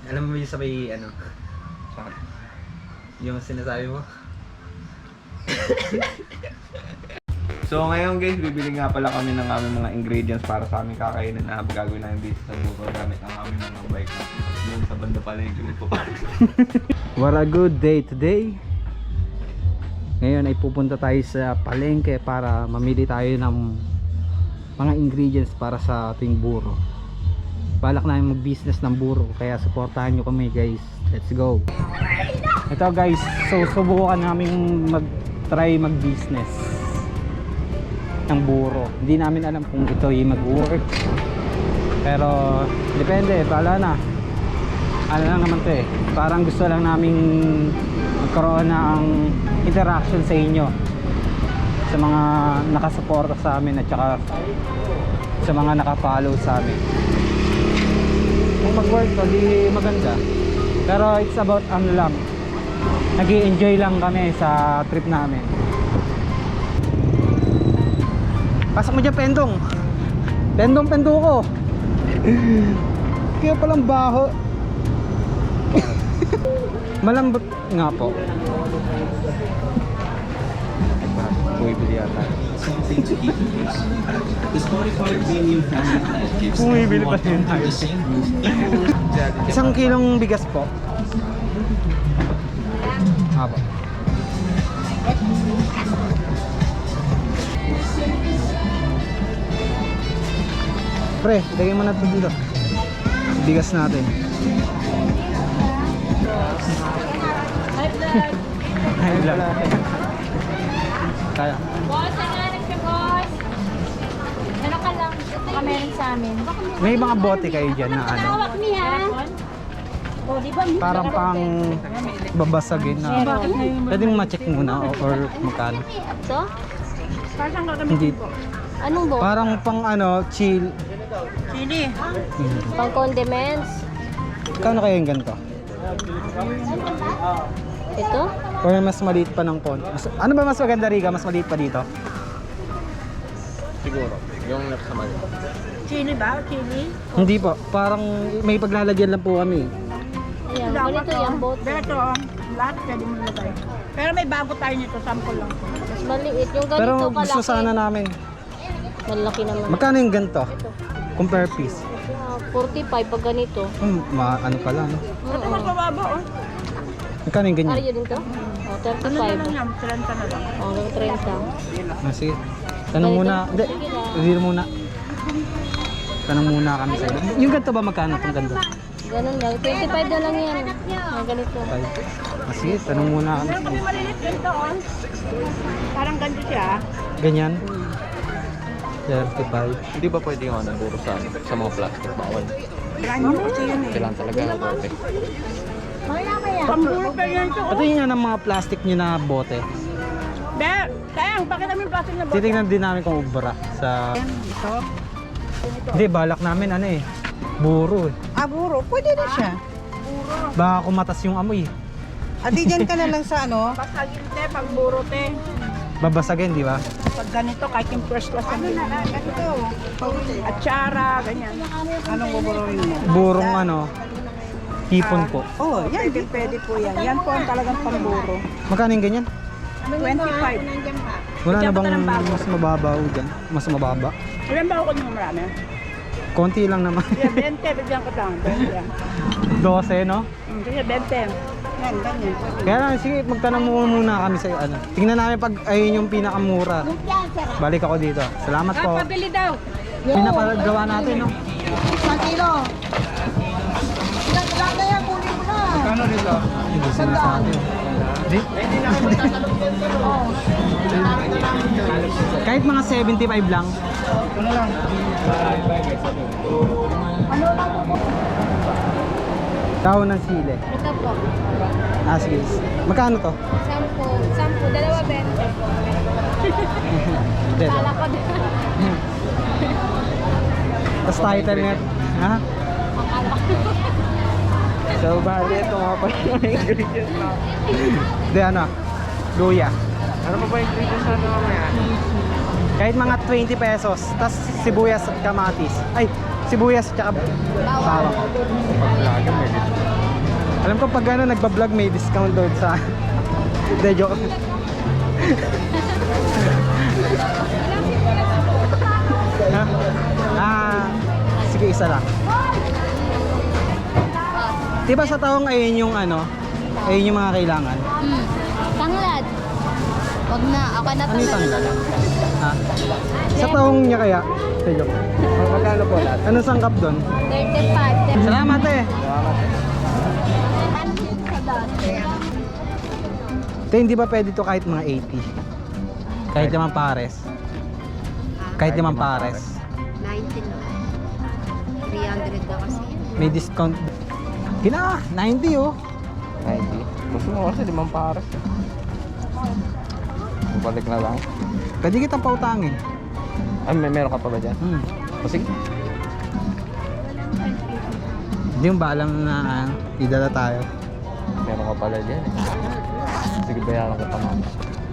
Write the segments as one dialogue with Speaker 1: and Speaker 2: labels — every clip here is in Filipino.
Speaker 1: Alam mo yung sabay ano? Yung sinasabi mo?
Speaker 2: So ngayon guys, bibili nga pala kami ng aming mga ingredients para sa aming kakainin na gagawin namin dito sa buko gamit ang aming mga bike na yun sa banda pala yung Green Park.
Speaker 1: What a good day today. Ngayon ay pupunta tayo sa palengke para mamili tayo ng mga ingredients para sa ating buro. Balak namin mag-business ng buro, kaya supportahan nyo kami guys. Let's go. Ito guys, so subukan namin mag-try mag-business ng buro. Hindi namin alam kung ito ay mag-work, pero depende, bahala na. Ano lang naman to eh, parang gusto lang naming magkaroon ng interaction sa inyo, sa mga nakasuporta sa amin at saka sa mga nakafollow sa amin. Kung mag-work to, di maganda, pero it's about ano lang, nag-i-enjoy lang kami sa trip namin. Pasok mo dyan, Pendong. Pendong ko. Kaya palang baho. Malambot nga po.
Speaker 2: Bumibili yata.
Speaker 1: Bumibili pa rin tayo. Isang kilong bigas po. Apo. Pre, lagay mo na ito dito. Bigas natin. Hi vlog. Kaya.
Speaker 3: Boss, nanganak siya, boss. Ano ka lang? Baka meron sa amin.
Speaker 1: May mga bote kayo dyan na ano,
Speaker 3: Hawak niya. O, di ba?
Speaker 1: parang pang babasagin na. Pwede mo ma-check muna or magkano.
Speaker 3: Ito?
Speaker 1: Hindi.
Speaker 3: Anong boss?
Speaker 1: Parang pang ano, chill.
Speaker 3: Chili. Pang condiments.
Speaker 1: Kano kayo yung ganito?
Speaker 3: Ito?
Speaker 1: Or mas maliit pa ng konti? Ano ba mas maganda, Riga? Mas maliit pa dito?
Speaker 2: Siguro, yung nasa mali.
Speaker 3: Chili ba? Chili?
Speaker 1: Hindi po. Parang may paglalagyan lang po kami.
Speaker 3: Ayan, ganito yung bote.
Speaker 4: Beto, lahat pwede mo ilagay. Pero may bago tayo nito, sample lang.
Speaker 3: Mas maliit. Yung ganito
Speaker 1: Pero
Speaker 3: kalaki.
Speaker 1: gusto sana namin.
Speaker 3: Malaki naman.
Speaker 1: Magkano yung ganito?
Speaker 3: Ito.
Speaker 1: Compare piece.
Speaker 3: 45 pag ganito.
Speaker 1: Ano pala, no?
Speaker 4: Ito mas mababa, oh.
Speaker 1: Magkano yung ganyan?
Speaker 3: Ariyo din to? Oh,
Speaker 4: Ano na lang
Speaker 3: 35.
Speaker 4: yan, 30 na lang.
Speaker 3: Oh, hanggang 30.
Speaker 1: Ah, sige. Tanong muna. Hindi.
Speaker 3: Sige lang.
Speaker 1: Hindi muna. Tanong muna kami sa iyo. Yung ganito ba magkano itong ganito?
Speaker 3: Ganun lang. 25 na lang yan. Oh, ganito.
Speaker 1: Ah, sige. Tanong muna kami.
Speaker 4: Pero pag malilit ganito, oh. Parang ganito siya.
Speaker 1: Ganyan. 35.
Speaker 2: Hindi ba pwede yung ano, buro sa mga plastic bawal?
Speaker 4: Brand new kasi yun eh.
Speaker 2: Kailangan talaga ng bote.
Speaker 4: Pamburo pa yan ito, oh.
Speaker 1: Ito yung ng mga plastic nyo na bote.
Speaker 4: Be, sayang, bakit namin plastic na bote?
Speaker 1: Titignan din namin kung ubra sa...
Speaker 4: Ito.
Speaker 1: Hindi, balak namin ano eh. Buro eh.
Speaker 5: Ah, buro. Pwede na siya.
Speaker 1: Baka kumatas yung amoy eh.
Speaker 5: Adi, dyan ka na lang sa ano.
Speaker 4: Pasagin te, pagburo te.
Speaker 1: Babasagin, di ba?
Speaker 4: Pag ganito, kahit yung first class ano na lang, ganito. Atsara, ganyan.
Speaker 5: Anong buburuin mo?
Speaker 1: Burong ano, hipon po.
Speaker 5: Oh, yan.
Speaker 4: Pwede, pwede po yan. Yan po ang talagang pamburo.
Speaker 1: Magkano yung ganyan?
Speaker 4: 25.
Speaker 1: Wala na
Speaker 4: Bigyan ko
Speaker 1: bang
Speaker 4: ng bago.
Speaker 1: mas mababaw dyan? Mas mababa?
Speaker 4: Ilan ba ako nyo marami?
Speaker 1: Konti lang naman.
Speaker 4: Yeah, 20, bigyan ko lang. 20.
Speaker 1: 12, no?
Speaker 4: Sige, 20.
Speaker 5: Yan, ganyan.
Speaker 1: Kaya lang, sige, magtanong muna kami sa ano. Tingnan namin pag ayun yung pinakamura. Balik ako dito. Salamat po.
Speaker 4: Pabili daw.
Speaker 1: Pinapagawa natin, no?
Speaker 5: Isang kilo. Ilang na yan, kunin mo na.
Speaker 2: Kano nito?
Speaker 1: Hindi sinasabi. Di? Kahit mga 75 lang.
Speaker 2: Ano lang?
Speaker 1: Dahon ng sili.
Speaker 3: Ito po.
Speaker 1: Ah, sige. Magkano to?
Speaker 3: 10. 10. Dalawa, 20.
Speaker 1: Hindi.
Speaker 3: Kala ko din.
Speaker 1: Tapos title net. Ha?
Speaker 3: Akala ko.
Speaker 2: So, bali, ito nga pala yung ingredients na.
Speaker 1: Hindi, ano? Luya.
Speaker 2: Ano pa ba yung ingredients na ito mamaya?
Speaker 1: Kahit mga 20 pesos. Tapos sibuyas at kamatis. Ay, sibuyas tsaka bawang.
Speaker 2: Pag lagi may dito.
Speaker 1: Alam ko pag ano nagba-vlog may discount doon sa de joke. Ha? Sige isa lang. Diba sa taong ayun yung ano? Ayun yung mga kailangan.
Speaker 3: Tanglad. Wag na, ako na
Speaker 1: Ano yung tanglad? Ha? Sa taong niya kaya? De joke.
Speaker 2: Magkano po lahat?
Speaker 1: Ano sangkap doon?
Speaker 3: 35.
Speaker 1: Salamat eh. Te, hindi ba pwede to kahit mga 80? Kahit naman pares. Kahit naman pares.
Speaker 3: 19 na. 300 na kasi.
Speaker 1: May discount. Kina, 90 oh.
Speaker 2: 90. Gusto mo kasi 5 pares. Balik na lang.
Speaker 1: Pwede kitang pautangin.
Speaker 2: Ay, meron ka pa ba dyan? O sige.
Speaker 1: Hindi yung balang na idala tayo.
Speaker 2: Meron ka pala dyan eh. Sige, bayaran ko pa mama.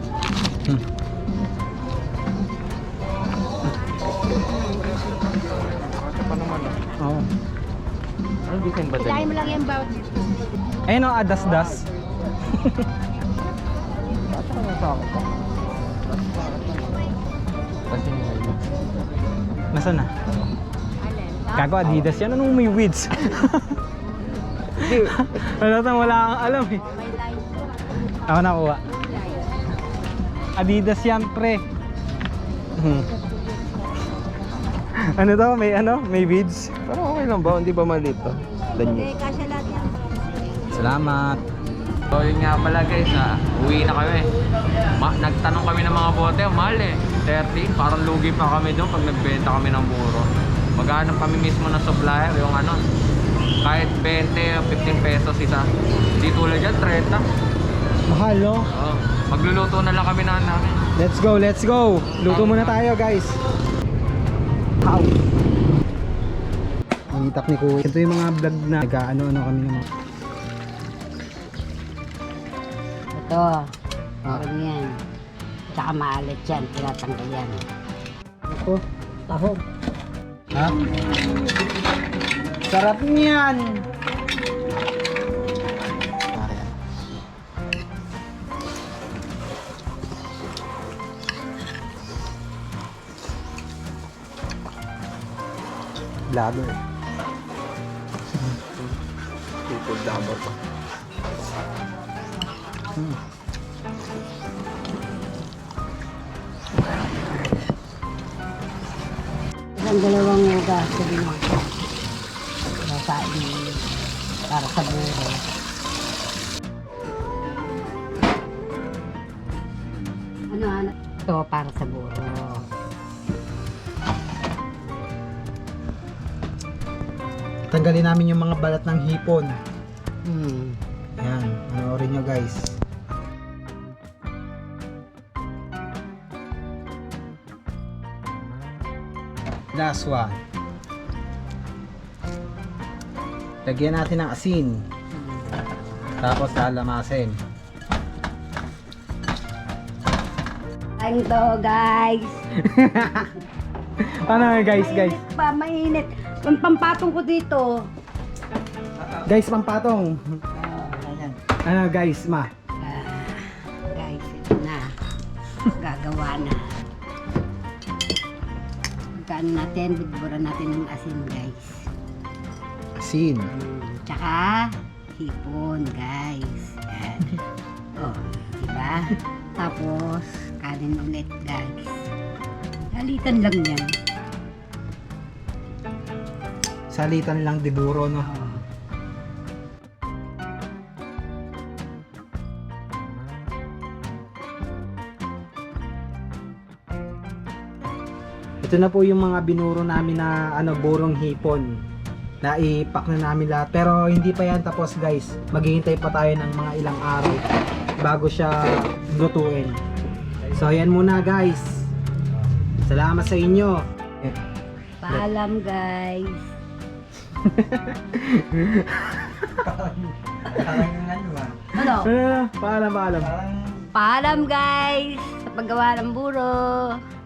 Speaker 2: Kasi pa naman ah.
Speaker 1: Oo.
Speaker 2: Ano design ba
Speaker 3: Ilahin
Speaker 2: dyan?
Speaker 3: mo lang yung bawat.
Speaker 1: Ayun oh, adas-das.
Speaker 2: Basta ka na sa akin pa. Kasi yung may mix.
Speaker 1: Nasaan na? Gago Adidas yan. Anong may weeds?
Speaker 2: Hindi.
Speaker 1: Wala kang alam eh.
Speaker 3: May line.
Speaker 1: Ako nakuha. Adidas yan pre. Ano to? May weeds?
Speaker 2: Pero okay lang ba? Hindi ba maliit to? Danyo.
Speaker 3: Kasya lahat yan.
Speaker 1: Salamat.
Speaker 2: So yun nga pala guys, uwi na kami. Nagtanong kami ng mga bote, mahal eh. 30, parang lugi pa kami doon pag nagbenta kami ng buro. Maghanap kami mismo ng supplier, yung ano, kahit 20 o 15 pesos isa. Di tulad yan, 30.
Speaker 1: Mahal no?
Speaker 2: Oh, magluluto na lang kami na namin.
Speaker 1: Let's go, let's go. Luto muna tayo guys. Ow. Ang itak ni Kuya. Ito yung mga vlog na nag-ano-ano kami naman.
Speaker 6: Ito, meron yan. Tsaka maalit yan, tinatanggal yan. Ito, tahog.
Speaker 1: Ha? Sarap niyan. Lager.
Speaker 2: Tukod dapat pa.
Speaker 6: Isang dalawang ugas, sabi mo. Kasain para sa buro. Ano? Ito para sa buro.
Speaker 1: Tanggalin namin yung mga balat ng hipon. Ayan, panoorin nyo guys. Last one. Lagyan natin ng asin. Tapos lalamasin.
Speaker 6: Kain to, guys.
Speaker 1: Ano guys, guys?
Speaker 6: Pa, mainit. Ang pampatong ko dito.
Speaker 1: Guys, pampatong. Ano guys, ma?
Speaker 6: Guys, ito na. Gagawa na. Magkaan natin, bigburan natin ng asin, guys.
Speaker 1: Asin.
Speaker 6: Tsaka, hipon, guys. Yan. Oh, diba? Tapos, kanin ulit, guys. Halitan lang yan.
Speaker 1: Salitan lang di buro, no? Ito na po yung mga binuro namin na burong hipon. Naipak na namin lahat. Pero hindi pa yan tapos guys. Maghihintay pa tayo ng mga ilang araw bago siya lutuin. So ayan muna guys. Salamat sa inyo.
Speaker 6: Paalam, guys. Ano?
Speaker 1: Paalam.
Speaker 6: Paalam, guys. Sa paggawa ng buro.